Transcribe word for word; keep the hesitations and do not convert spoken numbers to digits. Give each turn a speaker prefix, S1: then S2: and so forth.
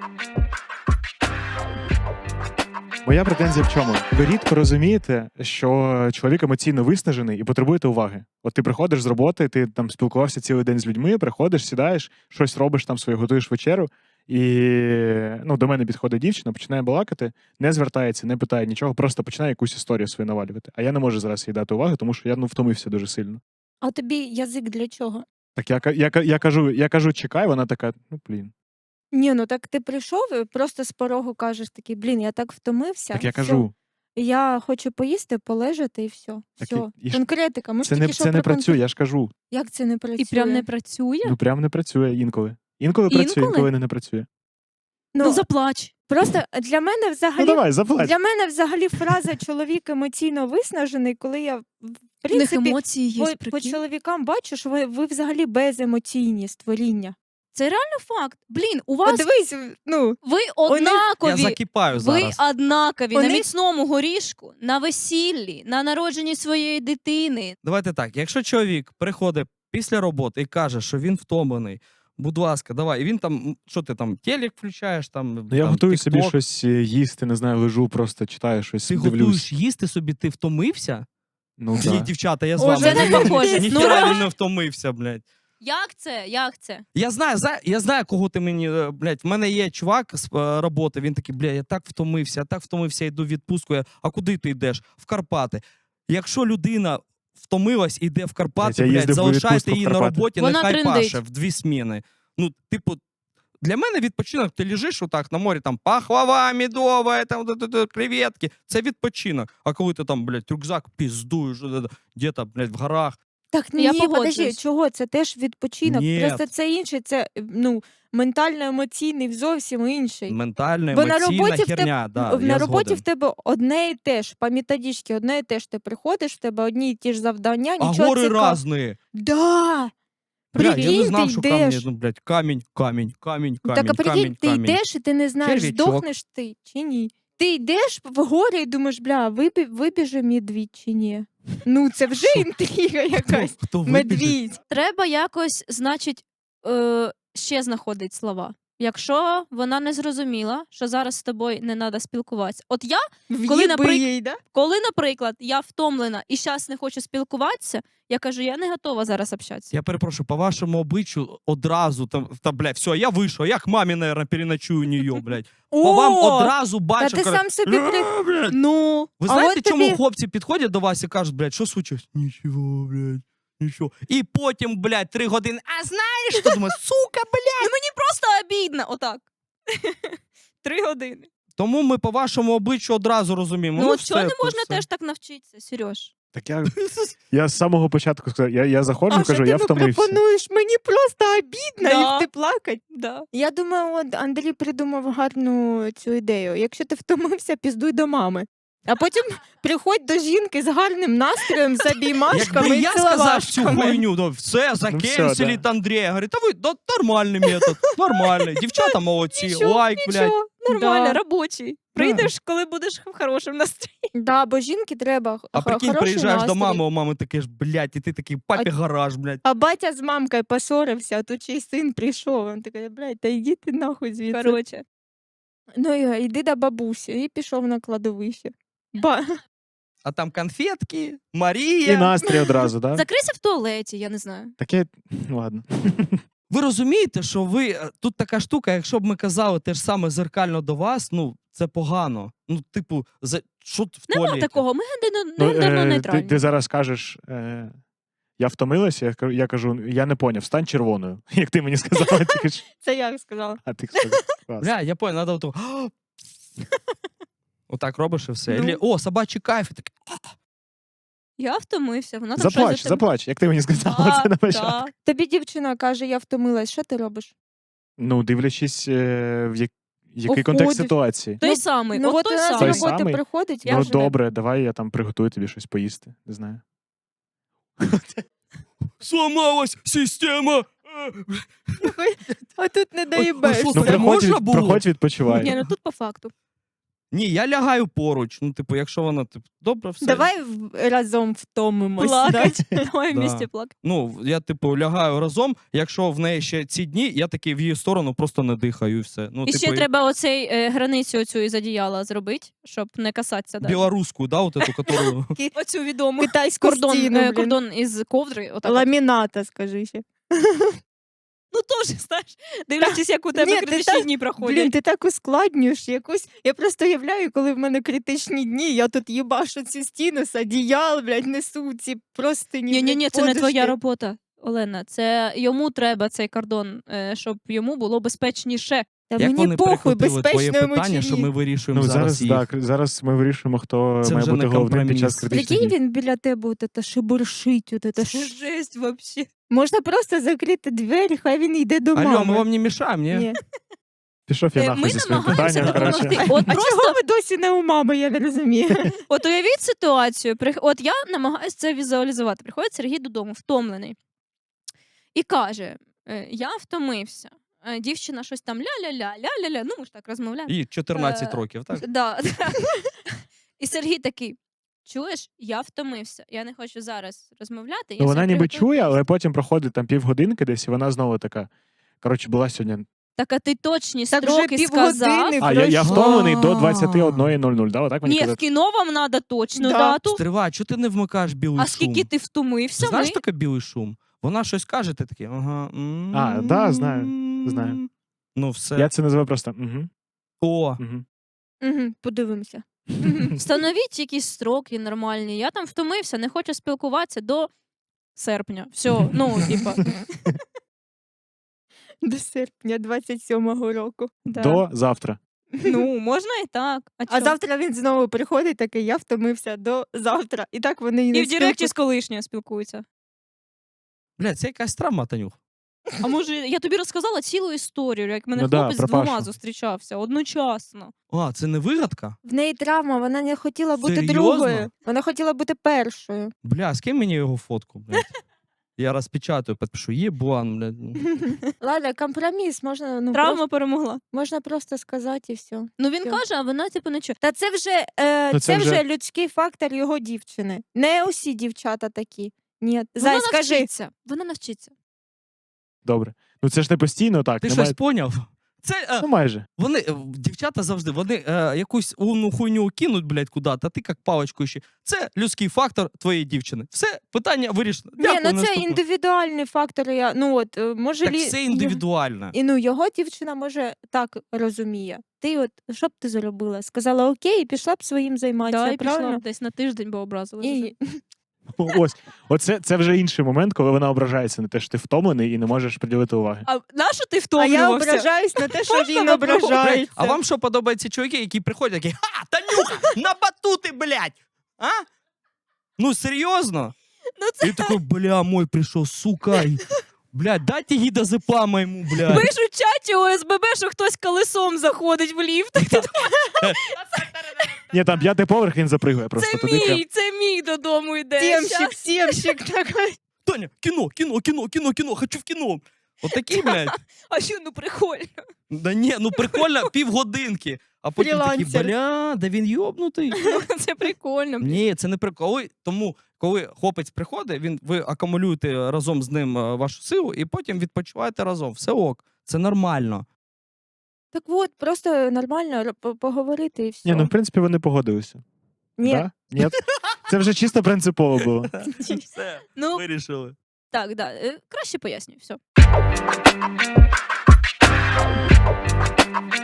S1: Моя претензія в чому? Ви рідко розумієте, що чоловік емоційно виснажений і потребуєте уваги. От ти приходиш з роботи, ти там спілкувався цілий день з людьми, приходиш, сідаєш, щось робиш там своє, готуєш вечерю, і ну, до мене підходить дівчина, починає балакати, не звертається, не питає нічого, просто починає якусь історію свою навалювати. А я не можу зараз їй дати уваги, тому що я ну, втомився дуже сильно.
S2: А тобі язик для чого?
S1: Так я, я, я, я, кажу, я кажу, чекай, вона така, ну, блін.
S2: Ні, ну так ти прийшов і просто з порогу кажеш такий, блін, я так втомився.
S1: Так я
S2: всьо.
S1: кажу.
S2: Я хочу поїсти, полежати і все.
S1: Так
S2: все.
S1: і- і ж-
S2: Конкретика. Ми ж
S1: Це не,
S2: тільки що
S1: це не
S2: про
S1: працює,
S2: конкрет-
S1: я ж кажу.
S2: Як це не працює?
S3: І прям не працює?
S1: Ну, прям не працює інколи. Інколи працює,
S3: Інколи?
S1: інколи не, не працює.
S2: Ну,
S3: Ну, заплач.
S2: просто для мене
S1: Ну,
S2: взагалі
S1: давай, заплать.
S2: для мене взагалі фраза чоловік емоційно виснажений, коли я в
S3: В них
S2: принципі
S3: емоції є,
S2: по, по
S3: прикинь.
S2: чоловікам бачу, що ви, ви взагалі беземоційні створіння.
S3: Це реально факт. Блін, у
S2: От
S3: вас
S2: дивись, ну
S3: ви
S4: Я
S3: однакові.
S4: закипаю
S3: Ви
S4: зараз.
S3: однакові
S2: Вони-
S3: на міцному горішку, на весіллі, на народженні своєї дитини.
S4: Давайте так, якщо чоловік приходить після роботи і каже, що він втомлений, будь ласка, давай. І він там, м, що ти там, телек включаєш, там,
S1: Ну, я
S4: там,
S1: готую собі
S4: TikTok.
S1: щось е, їсти, не знаю, лежу, просто читаю щось,
S4: Ти
S1: дивлюсь.
S4: готуєш їсти собі, ти втомився?
S1: Ну,
S4: Ні,
S1: да.
S4: дівчата, я з
S2: О,
S4: вами.
S3: це не
S4: Ні, ні,
S3: похоже.
S4: ні,
S3: Ну,
S4: ніхера
S3: да.
S4: він не втомився, блядь.
S3: Як це? Як це?
S4: Я знаю, за- я знаю, кого ти мені, е, блядь, в мене є чувак з е, роботи, він такий, бля, я так втомився, я так втомився, йду в відпустку. Я, а куди ти йдеш? В Карпати. Якщо людина втомилась і йде в Карпати,
S1: Я
S4: блядь,
S1: їздив у
S4: залишайте
S1: відпустку в
S4: її на
S1: Карпати.
S4: роботі,
S3: Вона
S4: нехай
S3: трендить.
S4: паше в дві сміни. Ну, типу, для мене відпочинок, ти лежиш отак на морі, там пахлава, медова, там, т- т- т- креветки. Це відпочинок. А коли ти там, блядь, рюкзак піздуєш, де-то, блядь, в горах.
S2: так
S3: Я
S2: ні, подожди,
S3: погоджуюсь.
S2: чого? Це теж відпочинок.
S4: Ні.
S2: Просто це інше, це ну ментально-емоційний зовсім інший.
S4: Ментальна,
S2: Бо на
S4: емоційна
S2: роботі в тебе-
S4: херня. Да,
S2: на
S4: я
S2: роботі
S4: згоден.
S2: в тебе одне і те ж, по методичці одне і те ж. Ти приходиш, в тебе одні і ті ж завдання,
S4: А
S2: нічого
S4: гори
S2: цікавого.
S4: різні.
S2: Да.
S4: Бля, я
S2: Прикинь,
S4: не знав,
S2: ти
S4: що
S2: йдеш.
S4: камні, ну, блядь, камінь, камінь, камінь, камінь,
S2: Так, а прикинь,
S4: камінь,
S2: ти
S4: камінь.
S2: йдеш і ти не знаєш,
S4: Черв'ячок.
S2: здохнеш ти чи ні. Ти йдеш в горі і думаєш, бля, вибі... вибіже медвідь чи ні. Ну, це вже
S4: Що?
S2: інтрига якась.
S4: Хто, хто вибіжить?
S2: Медвідь.
S3: Треба якось, значить, е, ще знаходить слова. Якщо вона не зрозуміла, що зараз з тобою не треба спілкуватися. От я, Коли,
S2: Коли,
S3: наприк-
S2: їй, да?
S3: коли, наприклад, я втомлена і зараз не хочу спілкуватися, я кажу, я не готова зараз общатися.
S4: Я перепрошую, по вашому обличчю одразу, там, та, блядь, все, я вийшов, я к мамі, наверное, переночую у нее, блядь. По вам
S2: О,
S4: одразу
S2: Та
S4: бачу,
S2: ти
S4: кажу,
S2: сам собі при...
S4: «Е, блядь».
S2: Ну,
S4: Ви
S2: а
S4: знаєте,
S2: от
S4: чому
S2: тобі...
S4: хлопці підходять до вас і кажуть, блядь, що случилось? Нічого, блядь, нічого. І потім, блядь, три години, а знаєш, що думаю, сука, блядь.
S3: Ну мені просто обідно, отак. Три години.
S4: Тому ми по вашому обличчю одразу розуміємо.
S3: Ну, от
S4: все,
S3: чого не
S4: то
S3: можна
S4: все.
S3: теж так навчитися, Сереж?
S1: Так я, я з самого початку сказав, я, я заходжу,
S2: А що
S1: кажу,
S2: ти
S1: я
S2: ну,
S1: втомився.
S2: пропонуєш? Мені просто обідно
S3: Да.
S2: і ти плакать.
S3: Да.
S2: Я думаю, от Андрій придумав гарну цю ідею. Якщо ти втомився, піздуй до мами. А потім приходь до жінки з гарним настроєм, з обіймашками
S4: Якби
S2: і
S4: я сказав цю
S2: ціловашками.
S4: хуйню, ну все, закенселить
S1: да.
S4: Андрія. Говорить, та ви, да, нормальний метод, нормальний. Дівчата молодці,
S3: Нічого,
S4: лайк, блядь.
S3: Нічого, нормально,
S2: Да.
S3: робочий. Прийдеш, коли будеш в хорошому настрої.
S2: Да, бо жінки треба х-
S4: А
S2: х-
S4: прикинь,
S2: хороший
S4: приїжджаєш до
S2: настрій.
S4: мами, у мами таке ж, блядь, і ти такий, папі гараж, блядь.
S2: А батя з мамкою поссорився, а тут ще й син прийшов. Він такий, блядь, та йди ти нахуй звідси.
S3: Коротше.
S2: Ну і йди до бабусі. І пішов на кладовище. Ба...
S4: А там конфетки,
S1: І
S4: Марія.
S1: настрій одразу, так? Да?
S3: Закрийся в туалеті, я не знаю.
S1: Таке, ну ладно.
S4: Ви розумієте, що ви, е, тут така штука, якщо б ми казали те ж саме зеркально до вас, ну, це погано. Ну, типу, за, що в
S3: Нема
S4: туалеті?
S3: такого, ми гендерно,
S1: Ну,
S3: гендерно
S1: е, ти,
S3: нейтральні.
S1: ти зараз кажеш, е, я втомилася, я, кажу- я кажу, я не поняв, стань червоною, як ти мені сказала, тільки ж.
S2: Це я сказала.
S1: А ти сказав. Клас.
S4: Бля, я понял, надо отак. Отак робиш і все.
S2: Ну.
S4: Ілі, о, собачий кайф. І так,
S3: Я втомився, вона там
S1: Заплач,
S3: щось за тебе-
S1: заплач, як ти мені сказала
S3: Так,
S1: це на початку.
S3: так.
S2: Тобі дівчина каже, я втомилась, що ти робиш?
S1: Ну, дивлячись, е, в як, який
S2: Уходиш.
S1: контекст ситуації.
S3: Той
S2: Ну,
S3: самий,
S2: Ну
S3: от
S2: от
S3: той
S2: вона з
S1: Той
S3: самий.
S2: роботи
S1: самий?
S2: приходить, я
S1: Ну,
S2: вже...
S1: добре, давай я там приготую тобі щось поїсти, не знаю.
S4: сломалась система.
S2: А тут не
S4: А
S2: доїбеш.
S4: що
S1: Ну,
S4: це
S1: приходь,
S4: можна
S1: від,
S4: було?
S1: приходь відпочивай.
S3: Ні, ну тут по факту.
S4: Ні, я лягаю поруч. Ну, типу, якщо вона, типу, добре, все.
S2: Давай в- разом втомимось. да?
S3: Плакать. Давай
S4: Да.
S3: вместе плакати.
S4: Ну, я, типу, лягаю разом, якщо в неї ще ці дні, я такий в її сторону просто не дихаю і все. Ну,
S3: І
S4: типу,
S3: ще треба оцей е, границю оцю із одіяла зробити, щоб не касатися. Да.
S4: білоруську, да, от эту, которую...
S3: Оцю відому.
S2: Китайську
S3: Кордон,
S2: стіну,
S3: е,
S2: блін.
S3: кордон із ковдри. Отак от.
S2: Ламіната, скажи ще.
S3: Ну теж, знаєш, дивлячись, як у тебе
S2: Ні, ти
S3: критичні
S2: так-
S3: дні проходять.
S2: Блін, ти так ускладнюєш якусь. Я просто уявляю, коли в мене критичні дні, я тут їбашу цю стіну з одіял, блядь, несу ці простині.
S3: Ні, ні, ні, це не твоя
S2: подушки.
S3: робота, Олена. Це йому треба цей кордон, е, щоб йому було безпечніше.
S2: Та
S4: Як
S2: мені
S4: вони
S2: похуй,
S4: перехопили твоє
S2: безпечно йому
S4: питання,
S2: чи
S4: що
S2: ні.
S4: ми вирішуємо
S1: Ну,
S4: зараз
S1: зараз,
S4: їх.
S1: так, зараз ми вирішуємо, хто
S4: Це
S1: має
S4: вже
S1: бути
S4: не
S1: головним під час
S4: компроміс.
S1: критичних
S2: Прикинь,
S1: дій.
S2: він біля тебе от это шебуршить, от это.
S3: Це жесть вообще.
S2: Можна просто закрити двері, хай він йде до мами.
S4: Алло, ми вам не мішаємо, ні?
S2: Ні.
S1: Пішов я
S3: Е,
S1: нахуй
S3: Ми
S1: зі своїм
S3: намагаємося
S1: питанням, коротше.
S3: допомогти. От
S2: А
S3: просто
S2: чого ви досі не у мами, я не розумію.
S3: От уявіть ситуацію. Прих- От я намагаюся це візуалізувати. Приходить Сергій додому, втомлений, і каже: е, я втомився. Е, Дівчина щось там ля-ля-ля, ля-ля-ля. Ну, ми ж так розмовляємо.
S4: І чотирнадцять
S3: Е,
S4: років, так?
S3: Да, да. І Сергій такий: чуєш, я втомився. Я не хочу зараз розмовляти. Я
S1: Ну, вона
S3: собі
S1: ніби
S3: приготую
S1: чує,
S3: їсти».
S1: але потім проходить там півгодинки десь, і вона знову така. Коротше, була сьогодні.
S3: Так, а ти точні
S2: Так вже
S3: строки сказав.
S2: півгодини
S1: А, я, я
S2: пройшло.
S1: втомлений до двадцять одна нуль нуль, да? Отак мені
S3: Ні, в
S1: казати?
S3: кіно вам треба точну
S2: Да.
S3: дату.
S4: Стривай, чого ти не вмикаєш білий
S3: А
S4: шум?
S3: скільки ти втомився?
S4: Ти знаєш
S3: ми...
S4: таке білий шум? Вона щось каже, ти такий, ага. м,
S1: А, да, знаю, знаю.
S4: Ну, все.
S1: Я це називаю просто. Угу,
S4: О,
S1: угу.
S2: Угу, подивимося.
S3: Встановіть якісь строки нормальні. Я там втомився, не хочу спілкуватися до серпня. Все, ну, типа.
S2: До серпня двадцять сьомого року.
S3: Да.
S1: До завтра.
S3: Ну, можна і так. А,
S2: А
S3: чо?
S2: завтра він знову приходить такий, я втомився до завтра. І так вони і не
S3: І в Директі
S2: спілкуються.
S3: з колишньою спілкуються.
S4: блядь, це якась травма, Танюх.
S3: А може, я тобі розказала цілу історію, як мене
S1: Ну да,
S3: хлопець
S1: про
S3: з двома
S1: Пашу.
S3: зустрічався одночасно.
S4: А, це не вигадка?
S2: В неї травма, вона не хотіла бути
S4: Серйозно?
S2: другою. Вона хотіла бути першою.
S4: Бля, скинь мені його фотку, блядь. Я розпечатаю, підпишу, єбан, блядь.
S2: Ладно, компроміс, можна, ну,
S3: Травма
S2: просто,
S3: перемогла.
S2: можна просто сказати і все.
S3: Ну він
S2: Всьо.
S3: каже, а вона типу не чує.
S2: Та це вже, е,
S1: Ну,
S2: це
S1: це
S2: вже...
S1: вже-
S2: людський фактор його дівчини. Не усі дівчата такі. Ні.
S3: Вона
S2: Зай, скажи.
S3: навчиться. Вона навчиться.
S1: Добре. Ну це ж не постійно так.
S4: Ти
S1: немає-
S4: щось поняв? Це, е,
S1: Ну майже.
S4: вони, е, дівчата завжди, вони е, якусь умну хуйню кинуть, блядь, куди-то, а ти як паличку ще. Це людський фактор твоєї дівчини. Все, питання вирішено.
S2: Ні,
S4: Дякую,
S2: ну це
S4: наступне.
S2: індивідуальний фактор. Я, ну от, е, може
S4: Так
S2: лі...
S4: все індивідуально.
S2: І ну його дівчина може так розуміє. Ти от що б ти зробила? Сказала окей, і пішла б своїм займатися,
S3: Да, і пішла
S2: правильно?
S3: б десь на тиждень, бо образила.
S2: І...
S1: Ось. Оце це вже інший момент, коли вона ображається на те, що ти втомлений і не можеш приділити уваги.
S3: А на що ти
S2: А я
S3: втомлювався?
S2: ображаюсь на те, що
S3: Можна
S2: він
S3: попробувати?
S2: ображається.
S4: А вам що подобаються чоловіки, які приходять такі, ха, Танюха, на батути, блядь! А? Ну, серйозно?
S3: Ну це
S4: І такой, бля, мой прийшов, сука. і, Блядь, дайте гідозепама йому, блядь.
S3: пишуть в чаті у ес бе бе, що хтось колесом заходить в ліфт.
S1: Ні, там п'ятий поверх він запригує просто
S3: Це
S1: туди. прям.
S3: мій, це мій додому йде.
S2: Сємщик, сємщик такий.
S4: Таня, кіно, кіно, кіно, кіно, кіно, хочу в кіно. Отакі, блядь.
S3: А що, ну прикольно.
S4: Да ні, ну прикольно, півгодинки. А потім такі,
S2: Фрілансер.
S4: бля, да він йобнутий.
S3: Це прикольно.
S4: Ні, це не прикол. Ой, тому, коли хлопець приходить, він, ви акумулюєте разом з ним е, вашу силу і потім відпочиваєте разом. Все ок, це нормально.
S2: Так от, просто нормально р- по- поговорити і все.
S1: Ні, ну в принципі вони погодилися.
S2: Ні.
S1: Да? Ні? Це вже чисто принципово було.
S4: Все,
S3: Ну,
S4: вирішили.
S3: так, да. е, Краще пояснюю, все.